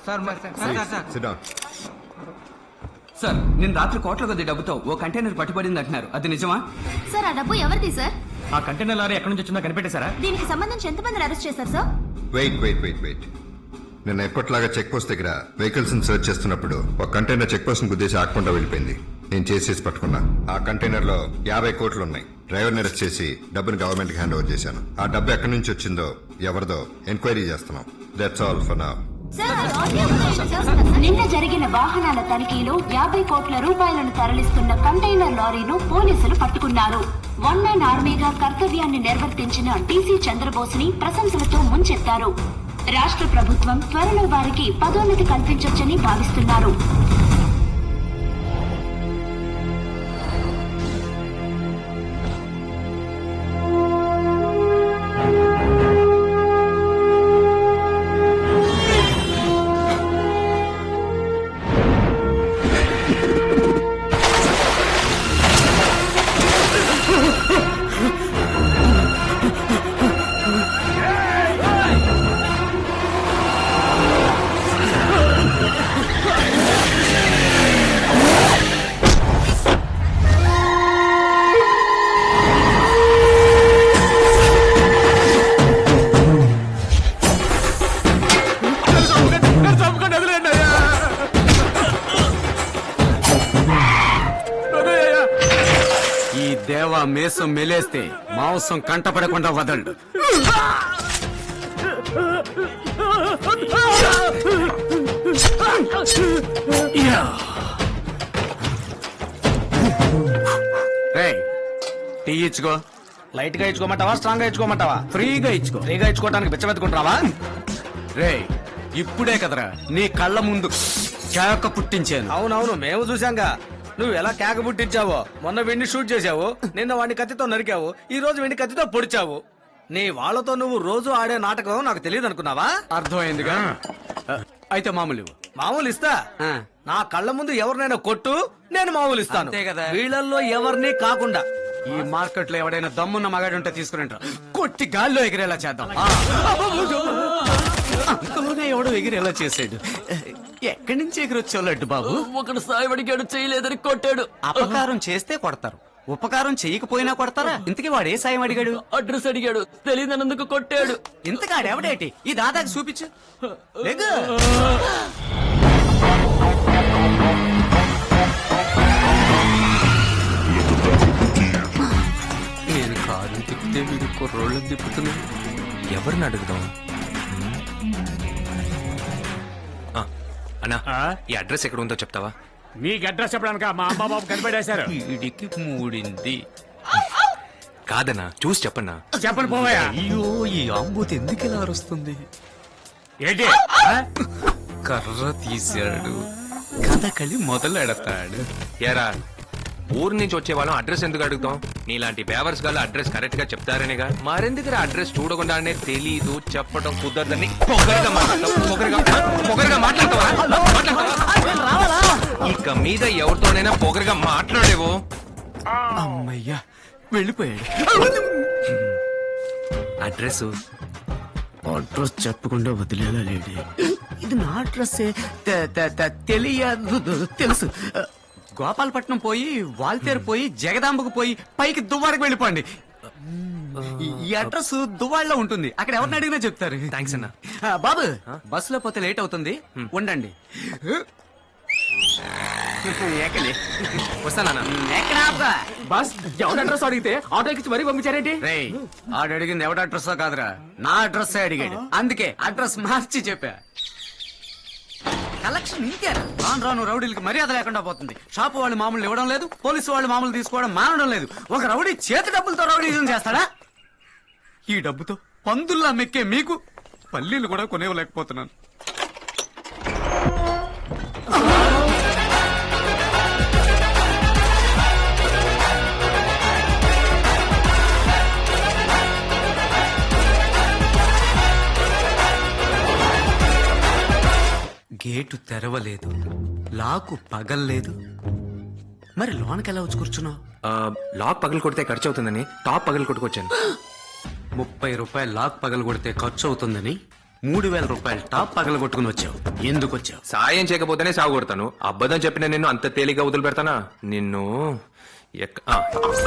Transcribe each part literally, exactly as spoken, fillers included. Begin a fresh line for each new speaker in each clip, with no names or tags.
Sir
sir నేను రాత్రి కోట్ల కొద్ది డబ్బుతో ఓ కంటైనర్ పట్టుబడింది అంటున్నారు, అది నిజమా?
సార్ ఆ డబ్బు ఎవరిది సార్?
ఆ కంటైనర్ లారీ ఎక్కడి నుంచి వచ్చిందో కనిపెట్టేశారా?
దీనికి సంబంధించి ఎంతమందిని అరెస్ట్ చేశారు sir?
Wait wait wait wait నేను ఎప్పటిలాగా చెక్ పోస్ట్ దగ్గర వెహికల్స్ ని సర్చ్ చేస్తున్నప్పుడు ఒక కంటైనర్ చెక్ పోస్ట్ ని గుద్దేసి ఆకుండా వెళ్ళిపోయింది. నేను చేసేసి పట్టుకున్నా. ఆ కంటైనర్ లో యాభై కోట్లు ఉన్నాయి. డ్రైవర్ ని అరెస్ట్ చేసి డబ్బుని గవర్నమెంట్ కి హ్యాండ్ ఓవర్ చేశాను. ఆ డబ్బు ఎక్కడి నుంచి వచ్చిందో ఎవరిదో ఎంక్వైరీ చేస్తున్నాం. That's all for now.
నిన్న జరిగిన వాహనాల తనిఖీలో యాభై కోట్ల రూపాయలను తరలిస్తున్న కంటైనర్ లారీను పోలీసులు పట్టుకున్నారు. వన్ మ్యాన్ ఆర్మీగా కర్తవ్యాన్ని నిర్వర్తించిన డీసీ చంద్రబోస్ ని ప్రశంసలతో ముంచెత్తారు. రాష్ట్ర ప్రభుత్వం త్వరలో వారికి పదోన్నతి కల్పించొచ్చని భావిస్తున్నారు.
దేవా మేసం మెలేస్తే మాంసం కంటపడకుండా వదలడు. టీ ఇచ్చుకో.
లైట్ గా ఇచ్చుకోమంటావా, స్ట్రాంగ్ గా ఇచ్చుకోమంటావా?
ఫ్రీగా ఇచ్చుకో.
ఫ్రీగా ఇచ్చుకోవడానికి బిచ్చమెత్తుకుంటావా?
రే ఇప్పుడే కదరా నీ కళ్ళ ముందు కేక పుట్టించాను.
అవునవును, మేము చూసాంగా నువ్వు ఎలా కేక పుట్టించావో. మొన్న వెండి షూట్ చేశావు, నిన్న వాడిని కత్తితో నరికావు, ఈ రోజు వెండి కత్తితో పొడిచావు. నీ వాళ్లతో నువ్వు రోజు ఆడే నాటకం నాకు తెలియదు అనుకున్నావా?
అర్థమైందిగా. అయితే మామూలు
మామూలు ఇస్తా. నా కళ్ళ ముందు ఎవరినైనా కొట్టు, నేను మామూలు ఇస్తాను.
అంతే కదా.
వీళ్ళల్లో ఎవరిని కాకుండా.
ఈ మార్కెట్ లో ఎవడైనా దమ్మున్న మగాడుంటే తీసుకురంటారు, కొట్టి గాల్లో ఎగిరేలా చేద్దాం. అంతలోనే ఎవడో ఎగిరేలా చేసాడు. ఎక్కడి నుంచి ఎగిరొచ్చో లడ్డు బాబు?
ఒకడు సాయం అడిగాడు, చేయలేదని కొట్టాడు.
అపకారం చేస్తే కొడతారు, ఉపకారం చేయకపోయినా కొడతారా? ఇంతకీ వాడు ఏ సాయం అడిగాడు?
అడ్రస్ అడిగాడు, తెలియదన్నందుకు కొట్టాడు.
ఇంతకాడు ఎవడేటి? ఈ దాదాకి చూపించు. లేగు. నేను కారు తిప్పితే వీడు కుర్రోళ్ళు తిప్పుతున్నాడు.
ఎవరిని అడుగుదాం? అన్నా, ఈ అడ్రస్ ఎక్కడ ఉందో చెప్తావా?
మీకు అడ్రస్ చెప్పడానిక మా అమ్మ బాబు కనిపెట్టేశారు.
వీడికి మూడింది.
కాదన్నా, చూసి చెప్పన్నా.
చెప్పండి పోవయ్యా.
అయ్యో, ఈ ఆంబూతి ఎందుకు ఇలా అరుస్తుంది?
ఏంటి?
కర్ర తీశాడు, కథకళి మొదలెడతాడు.
ఏరా, ఊరు నుంచి వచ్చే వాళ్ళం అడ్రస్ ఎందుకు అడుగుతాం? నీలాంటి బేవర్స్ గాళ్ళు అడ్రస్ కరెక్ట్ గా చెప్తారనేగా. మరెందుకు అడ్రస్ చూడకుండానే తెలీదు చెప్పడం కుదరదని పొగరగా మాట్లాడతావు. పొగరగా పొగరగా మాట్లాడతావా? ఇక మీద ఎవరితోనైనా పొగరగా మాట్లాడేవో.
అమ్మయ్యా, వెళ్ళిపోయాడు.
అడ్రస్
అడ్రస్ చెప్పకుండా వదిలేలా లేడి. ఇది నా అడ్రస్ తెలియదు, తెలుసు. గోపాలపట్నం పోయి, వాల్తేరు పోయి, జగదాంబకు పోయి, పైకి దువ్వాడకి వెళ్ళిపోండి. ఈ అడ్రస్ దువ్వాడలో ఉంటుంది. అక్కడ ఎవరిని అడిగినా చెప్తారు.
థ్యాంక్స్ అన్న.
బాబు, బస్సులో పోతే లేట్ అవుతుంది, ఉండండి.
వస్తానా?
బస్ ఎవరి అడ్రస్ అడిగితే ఆటో ఎక్కించి మరీ పంపించారేంటి?
రేయ్, ఆడు అడిగింది ఎవడ అడ్రస్ కాదురా, నా అడ్రస్ అడిగాడు. అందుకే అడ్రస్ మార్చి చెప్పా. కలెక్షన్ ఇంతేనా? రాను రాను రౌడీలకి మర్యాద లేకుండా పోతుంది. షాపు వాళ్ళు మామూలు ఇవ్వడం లేదు, పోలీసు వాళ్ళు మామూలు తీసుకోవడం మానడం లేదు. ఒక రౌడీ చేతి డబ్బులతో రౌడీజం చేస్తాడా? ఈ డబ్బుతో పందుల్లా మెక్కే మీకు పల్లీలు కూడా కొనేవలేకపోతున్నాను. గేటు తెరవలేదు, లాకు పగల్లేదు. మరి లోనకెలా వచ్చి కూర్చున్నావు?
లాక్ పగలు కొడితే ఖర్చు అవుతుందని టాప్ పగలు కొట్టుకొచ్చాను.
ముప్పై రూపాయలు లాక్ పగలు కొడితే ఖర్చు అవుతుందని మూడు వేల రూపాయలు టాప్ పగలగొట్టుకుని వచ్చావు. ఎందుకు వచ్చావు?
సాయం చేయకపోతేనే సాగు కొడతాను. అబద్ధం చెప్పిన నిన్ను అంత తేలిగ్గా వదిలి పెడతానా? నిన్ను ఎక్క- ఆ.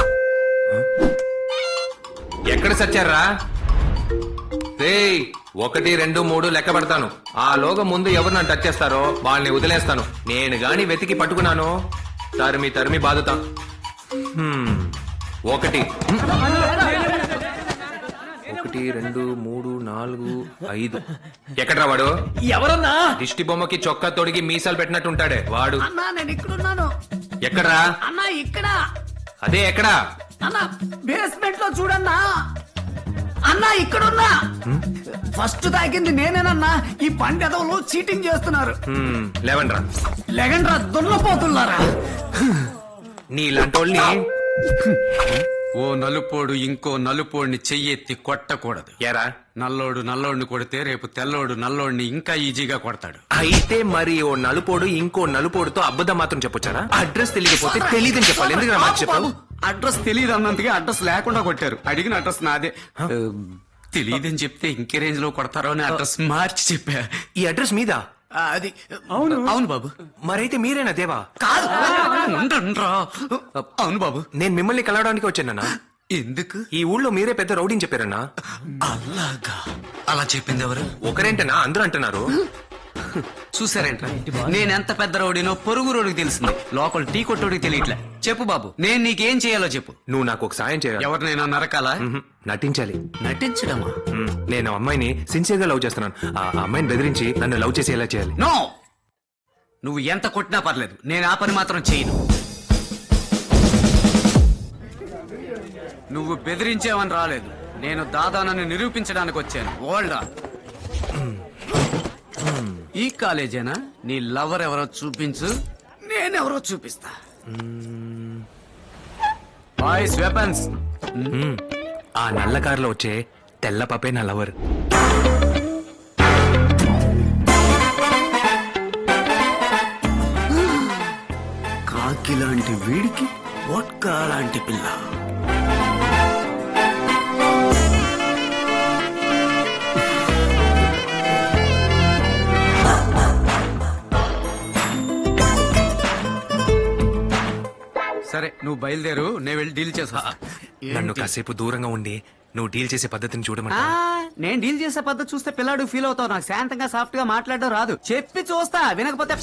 ఎక్కడ సచ్చారా? రేయ్, ఒకటి రెండు మూడు లెక్క పెడతాను. ఆ లోగా ముందు ఎవరు నన్ను టచ్ చేస్తారో వాళ్ళని వదిలేస్తాను. నేను గాని వెతికి పట్టుకున్నాను, తరిమి తరిమి బాదుతా. హ్మ్. ఒకటి ఒకటి రెండు మూడు నాలుగు ఐదు. ఎక్కడ్రా వాడు?
ఎవరన్నా?
దిష్టి బొమ్మకి చొక్కా తొడిగి మీసాలు పెట్టినట్టు ఉంటాడే వాడు.
అన్నా నేను ఇక్కడున్నాను.
ఎక్కడ్రా?
అన్నా ఇక్కడ.
అదే ఎక్కడా?
అన్నా బేస్మెంట్ లో చూడన్నా. అన్నా ఇక్కడున్నా. ఫస్ట్ తాకింది నేనేనన్నా. ఈ పండెదవులు చీటింగ్ చేస్తున్నారు.
హ్మ్, లేవండ్రా.
లెగండ్రా దున్నపోతున్నారా?
నీలాంటోళ్ళని
ఓ నలుపోడు ఇంకో నలుపోడిని చెయ్యెత్తి కొట్టకూడదు.
ఎరా
నల్లోడు నల్లోడిని కొడితే రేపు తెల్లోడు నల్లోడిని ఇంకా ఈజీగా కొడతాడు.
అయితే మరి ఓ నలుపోడు ఇంకో నలుపోడుతో అబద్ధం మాత్రం చెప్పొచ్చారా? అడ్రస్ తెలియకపోతే తెలియదని చెప్పాలి. ఎందుకు మాట చెప్పావు?
అడ్రస్ తెలియదు అన్నందుకే అడ్రస్ లేకుండా కొట్టారు. అడిగిన అడ్రస్ నాదే. తెలియదని చెప్తే ఇంకే రేంజ్ లో కొడతారో అని అడ్రస్ మార్చి చెప్పా.
ఈ అడ్రస్ మీద
ఆ, అది అవును అవును బాబు.
మరైతే మీరేనా దేవా?
కాదు ఉండ్రా. అవును బాబు.
నేను మిమ్మల్ని కలవడానికి వచ్చానన్నా.
ఎందుకు?
ఈ ఊళ్ళో మీరే పెద్ద రౌడీని చెప్పారన్నా.
అలాగా? అలా చెప్పింది ఎవరు?
ఒకరేంటనా అందరూ అంటున్నారు.
చూసారేంట్రా, నేనెంత పెద్ద రౌడీనో పొరుగు రోడ్డుకి తెలిసింది, లోకల్ టీ కొట్టోడికి తెలియట్లే. చెప్పు బాబు, నేను నీకేం చేయాలో చెప్పు.
నువ్వు నాకు ఒక సాయం చేయాలి.
ఎవరినైనా నరకాలా?
మ్హూ, నటించాలి.
నటించడమా?
మ్, నేను ఆ అమ్మాయిని సిన్సియర్ గా లవ్ చేస్తున్నాను. ఆ అమ్మాయిని బెదిరించి నన్ను లవ్ చేసి ఎలా చేయాలి?
నో, నువ్వు ఎంత కొట్టినా పర్లేదు, నేను ఆ పని మాత్రం చేయను. నువ్వు బెదిరించేవని రాలేదు, నేను దాదానని నిరూపించడానికి వచ్చాను. ఓల్డా ఈ కాలేజేనా? నీ లవర్ ఎవరో చూపించు, నేనెవరో చూపిస్తా. Boys weapons.
మ్, ఆ నల్ల కారులో వచ్చే తెల్ల పపే నా లవర్.
కాకి లాంటి వీడికి వోడ్కా లాంటి పిల్ల. సరే నువ్వు బయలుదేరు, నేను వెళ్ళి డీల్ చేసా.
నన్ను కాసేపు దూరంగా ఉండి నువ్వు డీల్ చేసే పద్ధతిని చూడమంటా.
నేను డీల్ చేసే పద్ధతి చూస్తే పిల్లాడు ఫీల్ అవుతావు. నాకు శాంతంగా సాఫ్ట్ గా మాట్లాడడం రాదు. చెప్పి చూస్తా, వినకపోతే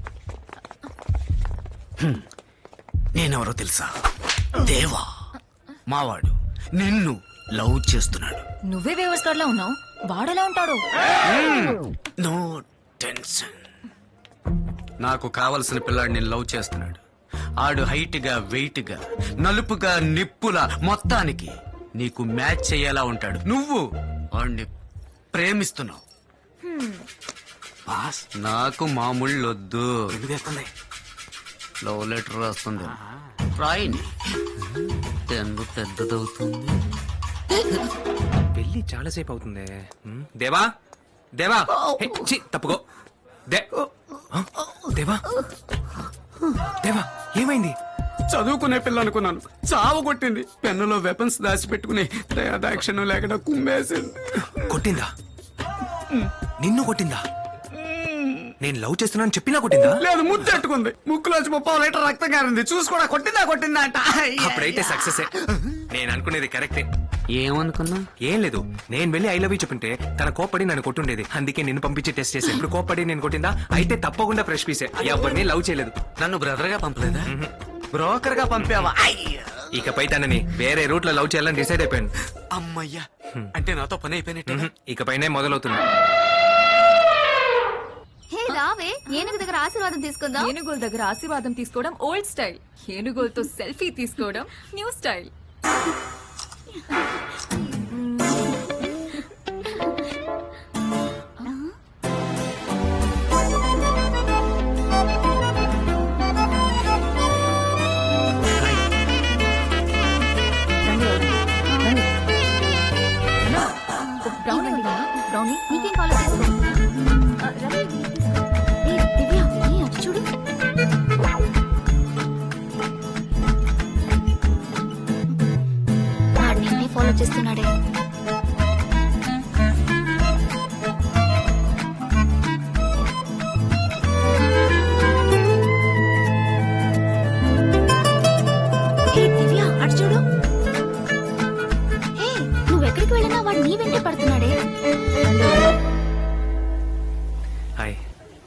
హ్మ్. నేనెవరో తెలుసా? దేవా, మావాడు నిన్ను లవ్ చేస్తున్నాడు.
నువ్వే వేవర్స్ కార్డ్ లో ఉన్నావు, వాడెలా ఉంటాడు?
No tension. నాకు కావలసిన పిల్లాడు నేను లవ్ చేస్తున్నాడు. ఆడు హైట్ గా వెయిట్ గా నలుపుగా నిప్పులా మొత్తానికి నీకు మ్యాచ్ చేయేలా ఉంటాడు. నువ్వు వాడిని ప్రేమిస్తున్నావు. బాస్, నాకు మామూళ్ళొద్దు. లవ్ లెటర్ రాస్తుంది, రాయిని. తెన్ను పెద్దదవుతుంది.
పెళ్లి చాలా సేపు అవుతుంది. మ్, దేవా దేవా హే, ఛీ, తప్పుకో. దే ఆ, దేవా దేవా ఏమైంది?
చదువుకునే పిల్ల అనుకున్నాను, చావు కొట్టింది. పెన్నులో వెపన్స్ దాచిపెట్టుకుని దయాదాక్షిణ్యం లేకుండా కుమ్మేసింది.
కొట్టిందా? నిన్ను కొట్టిందా? నేను లవ్ చేస్తున్నాను చెప్పినా కొట్టిందా?
లేదు, ముద్దెట్టుకుంది. ముక్కులోంచి ముప్పై లీటర్ రక్తం కారింది. చూసి కూడా కొట్టిందా కొట్టిందా అంట.
అప్పుడైతే సక్సెస్. నేను అనుకునేది కరెక్టే.
ఏమనుకున్నా?
ఏం లేదు, నేను వెళ్ళి ఐ లవ్ యూ చెప్పింటే తన కోప్పడి నన్ను కొట్టుండేది. అందుకే నిన్ను పంపించి టెస్ట్ చేసి ఇప్పుడు కోప్పడి నేను కొట్టిందా? అయితే తప్పకుండా ఫ్రెష్ పీసే. ఎవరిని లవ్ చేయలేదు.
నన్ను బ్రదర్ గా పంపలేదా? బ్రోకర్ గా పంపావా?
ఇకపై తనని వేరే రూట్ లో లవ్ చేయాలని డిసైడ్ అయిపోయాను.
అమ్మయ్యా, అంటే నాతో పని అయిపోయినట్టే.
మ్హూ, ఇకపైనే మొదలవుతుంది.
హే రావే, ఏనుగు దగ్గర ఆశీర్వాదం తీసుకుందాం.
ఏనుగుల దగ్గర ఆశీర్వాదం తీసుకోవడం ఓల్డ్ స్టైల్, ఏనుగులతో సెల్ఫీ తీసుకోవడం న్యూ స్టైల్.
బ్రౌన్ బ్రౌనీ నీకేం కాల్ చేసుకో. ఆ, రవి. ఏ, దివ్య, ఏ, అటు చూడు. వాడు నిన్నే ఫాలో చేస్తున్నాడు.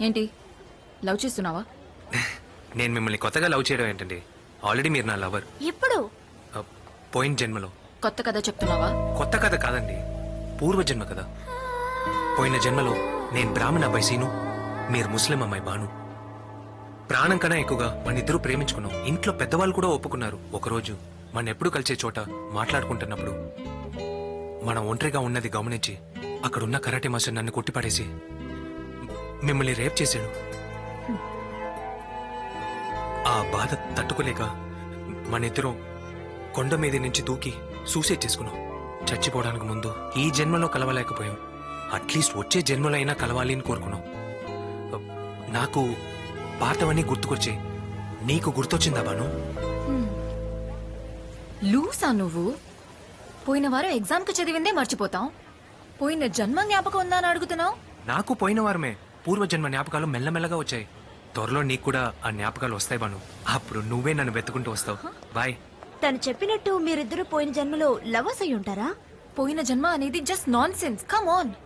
ఏంటి లవ్ చేస్తున్నావా?
నేను మిమ్మల్ని కొత్తగా లవ్ చేయడం ఏంటండి? ఆల్రెడీ మీరు నా లవర్.
ఎప్పుడు?
పోయిన జన్మలో.
కొత్త కథ చెప్తున్నావా?
కొత్త కథ కాదండి, పూర్వజన్మ కదా. పోయిన జన్మలో నేను బ్రాహ్మణ అబ్బాయి సీను, మీరు ముస్లిం అమ్మాయి బాను. ప్రాణం కన్నా ఎక్కువగా మన ఇద్దరు ప్రేమించుకున్నాం. ఇంట్లో పెద్దవాళ్ళు కూడా ఒప్పుకున్నారు. ఒకరోజు మన ఎప్పుడు కలిసే చోట మాట్లాడుకుంటున్నప్పుడు మనం ఒంటరిగా ఉన్నది గమనించి అక్కడున్న కరాటే మాస్టర్ నన్ను కొట్టిపడేసి మిమ్మల్ని రేప్ చేశాడు. ఆ బాధ తట్టుకోలేక మన ఇద్దరం కొండ మీద నుంచి దూకి సూసైడ్ చేసుకున్నాం. చచ్చిపోవడానికి ముందు ఈ జన్మలో కలవలేకపోయాం, అట్లీస్ట్ వచ్చే జన్మలో అయినా కలవాలి అని కోరుకున్నాం. నాకు పాతవన్నీ గుర్తుకొచ్చి నీకు గుర్తొచ్చిందా బాను?
లూసా నువ్వు? పోయిన వారం ఎగ్జామ్ కి చదివిందే మర్చిపోతాం, పోయిన జన్మ జ్ఞాపకం ఉందా అని అడుగుతున్నావు?
నాకు పోయిన వారమే పూర్వజన్మ జ్ఞాపకాలు మెల్లమెల్లగా వచ్చాయి. త్వరలో నీకు కూడా ఆ జ్ఞాపకాలు వస్తాయి బాను. అప్పుడు నువ్వే నన్ను వెతుకుంటూ వస్తావు. బాయ్.
తను చెప్పినట్టు మీరిద్దరూ పోయిన జన్మలో లవర్స్ అయి ఉంటారా?
పోయిన జన్మ అనేది just nonsense. Come on.